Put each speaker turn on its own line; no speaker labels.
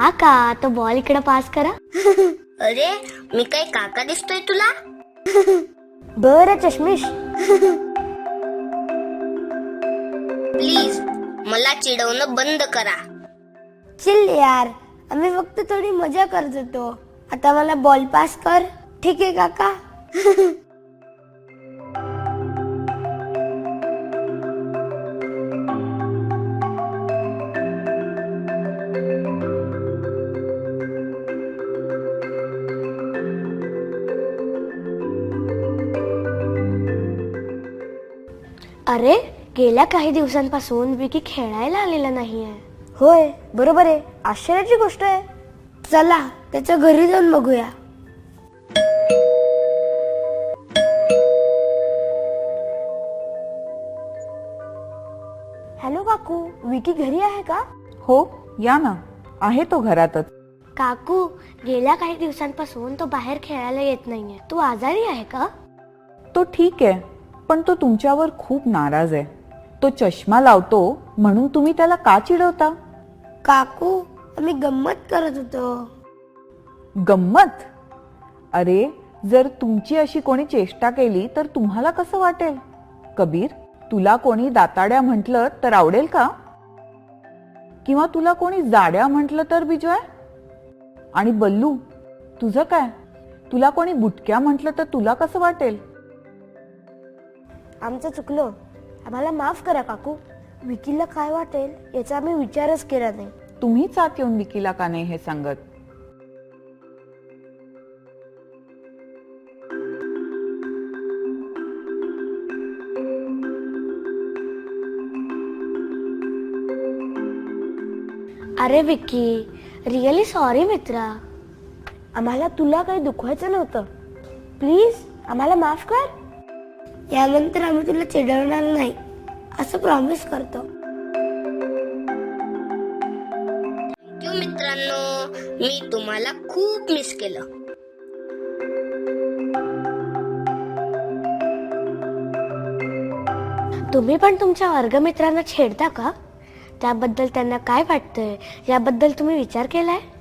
काका तो बॉल इकडे पास करा.
अरे मी काय काका दिसतोय तुला?
बरं चष्मिश.
प्लीज मला चिडवणं बंद करा.
चिल यार, आम्ही फक्त थोडी मजा करत होतो. आता मला बॉल पास कर. ठीक आहे काका. अरे गेल्या काही दिवसांपासून विकी खेळायला आलेला नाहीये. होय बरोबर आहे, आश्चर्याची गोष्ट आहे. चला त्याच्या घरी जाऊन बघूया. हॅलो काकू, विकी घरी आहे का?
हो या ना, आहे तो घरातच.
काकू गेल्या काही दिवसांपासून तो बाहेर खेळायला येत नाहीये. तू आजारी आहे का?
तो ठीक आहे, पण तो तुमच्यावर खूप नाराज आहे. तो चष्मा लावतो म्हणून तुम्ही त्याला का चिडवता?
काकू आम्ही गंमत करत होतो.
गंमत? अरे जर तुमची अशी कोणी चेष्टा केली तर तुम्हाला कसं वाटेल? कबीर, तुला कोणी दाताड्या म्हटलं तर आवडेल का? किंवा तुला कोणी जाड्या म्हटलं तर बिजॉय? आणि बल्लू तुझं काय? तुला कोणी बुटक्या म्हटलं तर तुला कसं वाटेल?
आमचं चुकलं, आम्हाला माफ करा काकू. विकीला काय वाटेल याचा आम्ही विचारच केला नाही.
तुम्हीच आत येऊन विकीला का नाही हे सांगत?
अरे विकी, रिअली सॉरी मित्रा. आम्हाला तुला काही दुखवायचं नव्हतं. प्लीज आम्हाला माफ कर. यानंतर आम्ही तुला चिडवणार नाही असं प्रॉमिस करतो.
थँक्यू मित्रांनो, मी तुम्हाला खूप मिस केलं.
तुम्ही पण तुमच्या वर्गमित्रांना छेडता का? त्याबद्दल त्यांना काय वाटतंय याबद्दल तुम्ही विचार केलाय?